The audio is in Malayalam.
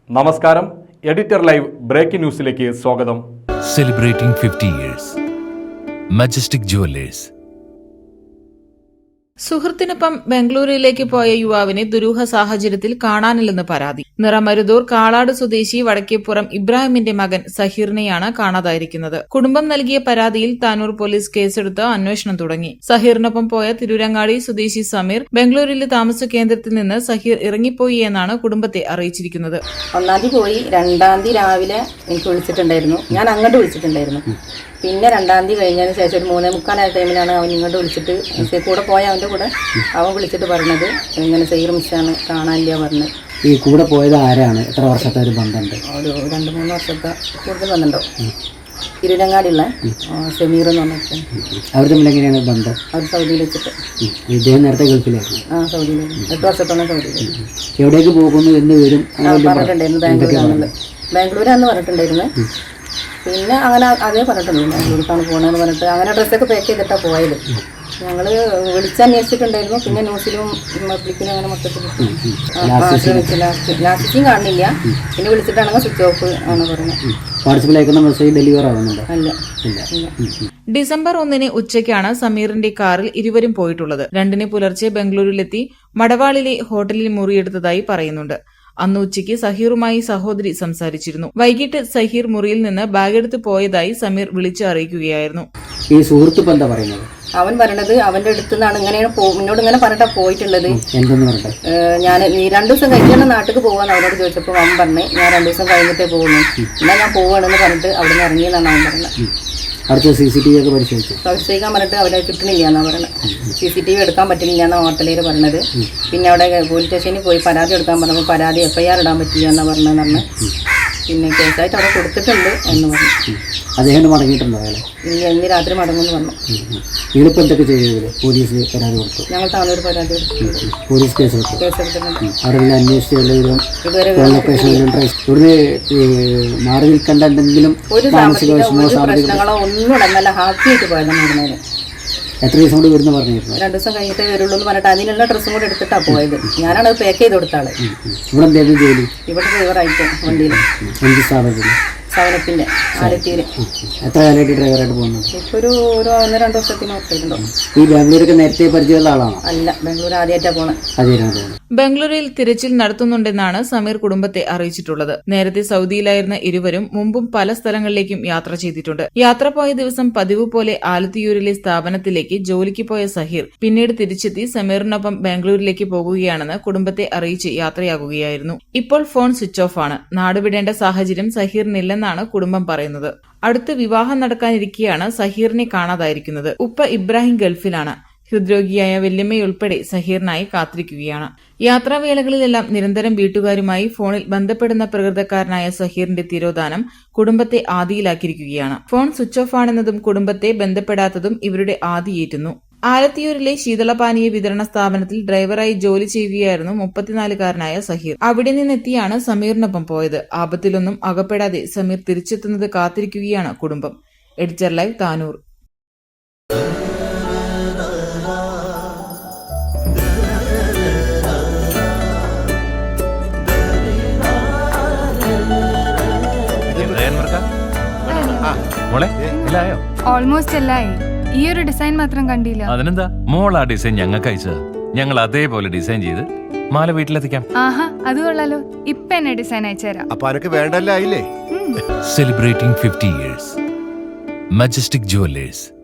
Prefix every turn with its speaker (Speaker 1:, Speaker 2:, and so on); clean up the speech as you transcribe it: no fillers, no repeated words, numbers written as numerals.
Speaker 1: നമസ്കാരം, എഡിറ്റർ ലൈവ് ബ്രേക്കിംഗ് ന്യൂസിലേക്ക് സ്വാഗതം.
Speaker 2: Celebrating 50 years. Majestic Jewellers.
Speaker 3: സുഹൃത്തിനൊപ്പം ബംഗളൂരുവിലേക്ക് പോയ യുവാവിനെ ദുരൂഹ സാഹചര്യത്തിൽ കാണാനില്ലെന്ന് പരാതി. നിറമരുതൂർ കാളാട് സ്വദേശി വടക്കേപ്പുറം ഇബ്രാഹിമിന്റെ മകൻ സഹീറിനെയാണ് കാണാതായിരിക്കുന്നത്. കുടുംബം നൽകിയ പരാതിയിൽ താനൂർ പോലീസ് കേസെടുത്ത് അന്വേഷണം തുടങ്ങി. സഹീറിനൊപ്പം പോയ തിരൂരങ്ങാടി സ്വദേശി സമീർ ബംഗളൂരുവിലെ താമസ കേന്ദ്രത്തിൽ നിന്ന് സഹീർ ഇറങ്ങിപ്പോയി എന്നാണ് കുടുംബത്തെ അറിയിച്ചിരിക്കുന്നത്.
Speaker 4: 1-ാം തീയതി പോയി, 2-ാം തീയതി രാവിലെ എനിക്ക് വിളിച്ചിട്ടുണ്ടായിരുന്നു. ഞാൻ അങ്ങോട്ട് വിളിച്ചിട്ടുണ്ടായിരുന്നു. പിന്നെ 2-ാം തീയതി കഴിഞ്ഞതിന് ശേഷം ഒരു 3:45 ടൈമിലാണ് അവൻ ഇങ്ങോട്ട് വിളിച്ചിട്ട് കൂടെ പോയ അവൻ്റെ കൂടെ അവൻ വിളിച്ചിട്ട് പറഞ്ഞത് ഇങ്ങനെ സഹീർ മിസ്സാണ്, കാണാനില്ല പറഞ്ഞത്.
Speaker 5: ഈ കൂടെ പോയത് ആരാണ്? എത്ര വർഷത്തെ ഒരു ബന്ധമുണ്ട്?
Speaker 4: ഒരു 2-3 വർഷത്തെ കൂടുതൽ ബന്ധമുണ്ടോ? തിരുരങ്ങാടിയുള്ള ഷമീർ എന്ന് പറഞ്ഞിട്ട്.
Speaker 5: അവർ തമ്മിൽ എങ്ങനെയാണ് ബന്ധം?
Speaker 4: അവർ സൗദിയിൽ വെച്ചിട്ട്.
Speaker 5: ഇദ്ദേഹം നേരത്തെ ഗൾഫിലായിരുന്നു.
Speaker 4: സൗദിയിലായിരുന്നു. 8 വർഷത്തോളം സൗദിയിലായിരുന്നു.
Speaker 5: എവിടേക്ക് പോകുന്നു എന്ന് വരും
Speaker 4: പറഞ്ഞിട്ടുണ്ടായിരുന്നു. ബാംഗ്ലൂരാണെന്ന് പറഞ്ഞിട്ടുണ്ടായിരുന്നു. പിന്നെ അങ്ങനെ അതേ പറഞ്ഞിട്ടുള്ളൂ, ബാംഗ്ലൂർക്കാണ് പോകണമെന്ന് പറഞ്ഞിട്ട് അങ്ങനെ ഡ്രസ്സൊക്കെ പാക്ക് ചെയ്തിട്ടാണ് പോയത്. ഞങ്ങൾ വിളിച്ചന്വേഷിച്ചിട്ടുണ്ടായിരുന്നു. പിന്നെ ന്യൂസിലും പബ്ലിക്കിലും അങ്ങനെ മൊത്തത്തിൽ ലാസ്റ്റിക്കും കാണുന്നില്ല. പിന്നെ വിളിച്ചിട്ടാണെങ്കിൽ സ്വിച്ച് ഓഫ് ആണ് പറയുന്നത്.
Speaker 5: ഡെലിവർ ആവുന്നുണ്ട്.
Speaker 4: അല്ല.
Speaker 3: ഡിസംബർ 1 ഉച്ചയ്ക്കാണ് സമീറിന്റെ കാറിൽ ഇരുവരും പോയിട്ടുള്ളത്. 2 പുലർച്ചെ ബംഗളൂരുവിലെത്തി മടവാളിലെ ഹോട്ടലിൽ മുറിയെടുത്തതായി പറയുന്നുണ്ട്. അന്ന് ഉച്ചയ്ക്ക് സഹീറുമായി സഹോദരി സംസാരിച്ചിരുന്നു. വൈകിട്ട് സഹീർ മുറിയിൽ നിന്ന് ബാഗെടുത്ത് പോയതായി സമീർ വിളിച്ചു അറിയിക്കുകയായിരുന്നു.
Speaker 5: ഈ സുഹൃത്ത് എന്താ പറയുന്നത്?
Speaker 4: അവൻ പറയണത് അവന്റെ അടുത്ത് നിന്നാണ് ഇങ്ങനെയാണ് എന്നോട് ഇങ്ങനെ പറഞ്ഞിട്ടാ പോയിട്ടുള്ളത്.
Speaker 5: എന്തെന്ന് പറഞ്ഞത്?
Speaker 4: ഞാൻ 2 ദിവസം കഴിഞ്ഞാണ് നാട്ടിൽ പോവാന്ന് അവനോട് ചോദിച്ചപ്പോൾ അവൻ പറഞ്ഞ് ഞാൻ 2 ദിവസം കഴിഞ്ഞിട്ടേ പോകുന്നു, എന്നാൽ ഞാൻ പോവാണെന്ന് പറഞ്ഞിട്ട് അവിടെ നിന്ന് ഇറങ്ങിയെന്നാണ് അവൻ പറഞ്ഞത്.
Speaker 5: അടുത്ത CCTV ഒക്കെ
Speaker 4: പരിശോധിക്കാൻ പറഞ്ഞിട്ട് അവരെ കിട്ടണില്ല എന്നാ പറയുന്നത്. CCTV എടുക്കാൻ പറ്റില്ല എന്നാണ് ഹോട്ടലിൽ പറഞ്ഞത്. പിന്നെ അവിടെ പോലീസ് സ്റ്റേഷനിൽ പോയി പരാതി എടുക്കാൻ പറഞ്ഞപ്പോൾ പരാതി FIR ഇടാൻ പറ്റില്ല എന്നാ പറഞ്ഞതെന്ന്. പിന്നെ കേസായിട്ട് അവിടെ കൊടുത്തിട്ടുണ്ട് എന്ന് പറഞ്ഞു.
Speaker 5: അദ്ദേഹം മടങ്ങിയിട്ടുണ്ടോ?
Speaker 4: ഇന്ന് രാത്രി മടങ്ങുമെന്ന് പറഞ്ഞു.
Speaker 5: നിങ്ങളിപ്പോൾ എന്തൊക്കെ ചെയ്തത്? പോലീസ് പരാതി കൊടുത്തു?
Speaker 4: ഞങ്ങൾ താനൂർ പരാതി കൊടുത്തു.
Speaker 5: പോലീസ് കേസെടുത്തിട്ടുണ്ട്. അവിടെ അന്വേഷിച്ച്
Speaker 4: ഇതുവരെ
Speaker 5: മാറി നിൽക്കേണ്ട എന്തെങ്കിലും
Speaker 4: ഒരു പ്രശ്നങ്ങളോ ഒന്നും നല്ല ഹാപ്പി ആയിട്ട് പോയതാണ് ഇവിടുന്ന്.
Speaker 5: എത്ര ദിവസം കൊണ്ട് വരുന്ന പറഞ്ഞിരുന്നു?
Speaker 4: 2 ദിവസം കഴിഞ്ഞിട്ടേ വരുള്ളൂ എന്ന് പറഞ്ഞിട്ട് അതിനുള്ള ഡ്രസ്സും കൂടെ എടുത്തിട്ടാണ് പോയത്. ഞാനാണ് അത് പാക്ക് ചെയ്ത് കൊടുത്ത ആള്.
Speaker 5: ഇവിടെ എന്തായിരുന്നു ജോലി?
Speaker 4: ഇവിടെ ഡ്രൈവറായിട്ട് വണ്ടിയിൽ.
Speaker 5: എന്ത് സ്ഥാപനത്തിൽ?
Speaker 4: സവനപ്പിന്റെ ആലത്തിയിൽ.
Speaker 5: എത്ര കാലമായിട്ട് ഡ്രൈവറായിട്ട് പോകുന്നത്?
Speaker 4: ഇപ്പൊ ഒരു 1-2 വർഷത്തിന് ഒപ്പിട്ടുണ്ടോ.
Speaker 5: ഈ ബാംഗ്ലൂരൊക്കെ നേരത്തെ പരിചയമുള്ള ആളാണോ?
Speaker 4: അല്ല, ബാംഗ്ലൂർ ആദ്യമായിട്ടാണ് പോണത്.
Speaker 3: ബംഗളൂരുവിൽ തിരച്ചിൽ നടത്തുന്നുണ്ടെന്നാണ് സമീർ കുടുംബത്തെ അറിയിച്ചിട്ടുള്ളത്. നേരത്തെ സൗദിയിലായിരുന്ന ഇരുവരും മുമ്പും പല സ്ഥലങ്ങളിലേക്കും യാത്ര ചെയ്തിട്ടുണ്ട്. യാത്ര പോയ ദിവസം പതിവ് പോലെ ആലത്തിയൂരിലെ സ്ഥാപനത്തിലേക്ക് ജോലിക്ക് പോയ സഹീർ പിന്നീട് തിരിച്ചെത്തി സമീറിനൊപ്പം ബാംഗ്ലൂരിലേക്ക് പോകുകയാണെന്ന് കുടുംബത്തെ അറിയിച്ച് യാത്രയാകുകയായിരുന്നു. ഇപ്പോൾ ഫോൺ സ്വിച്ച് ഓഫ് ആണ്. നാടുവിടേണ്ട സാഹചര്യം സഹീറിനില്ലെന്നാണ് കുടുംബം പറയുന്നത്. അടുത്ത് വിവാഹം നടക്കാനിരിക്കെയാണ് സഹീറിനെ കാണാതായിരിക്കുന്നത്. ഉപ്പ ഇബ്രാഹിം ഗൾഫിലാണ്. ഹൃദ്രോഗിയായ വല്യമ്മയുൾപ്പെടെ സഹീറിനായി കാത്തിരിക്കുകയാണ്. യാത്രാവേളകളിലെല്ലാം നിരന്തരം വീട്ടുകാരുമായി ഫോണിൽ ബന്ധപ്പെടുന്ന പ്രകൃതക്കാരനായ സഹീറിന്റെ തിരോധാനം കുടുംബത്തെ ആദിയിലാക്കിയിരിക്കുകയാണ്. ഫോൺ സ്വിച്ച് ഓഫ് ആണെന്നതും കുടുംബത്തെ ബന്ധപ്പെടാത്തതും ഇവരുടെ ആദിയേറ്റുന്നു. ആലത്തിയൂരിലെ ശീതളപാനീയ വിതരണ സ്ഥാപനത്തിൽ ഡ്രൈവറായി ജോലി ചെയ്യുകയായിരുന്നു 34-കാരനായ സഹീർ. അവിടെ നിന്നെത്തിയാണ് സമീറിനൊപ്പം പോയത്. ആപത്തിലൊന്നും അകപ്പെടാതെ സമീർ തിരിച്ചെത്തുന്നത് കാത്തിരിക്കുകയാണ് കുടുംബം. Editor live, Tanur.
Speaker 6: ഓൾമോസ്റ്റ് എല്ലായി. ഈ ഒരു ഡിസൈൻ മാത്രം കണ്ടില്ല.
Speaker 2: അതിനെന്താ, മോൾ ആ ഡിസൈൻ ഞങ്ങൾക്ക് അയച്ചത്. ഞങ്ങൾ അതേപോലെ ഡിസൈൻ ചെയ്ത് മാല വീട്ടിലെത്തിക്കാം.
Speaker 6: ആഹാ, അത് കൊള്ളാലോ. ഇപ്പൊ എന്നെ ഡിസൈൻ അയച്ചുതരാം.
Speaker 7: അപ്പൊ അനക്ക് വേണ്ടല്ലേ?
Speaker 2: Celebrating 50 years. Majestic jewellers.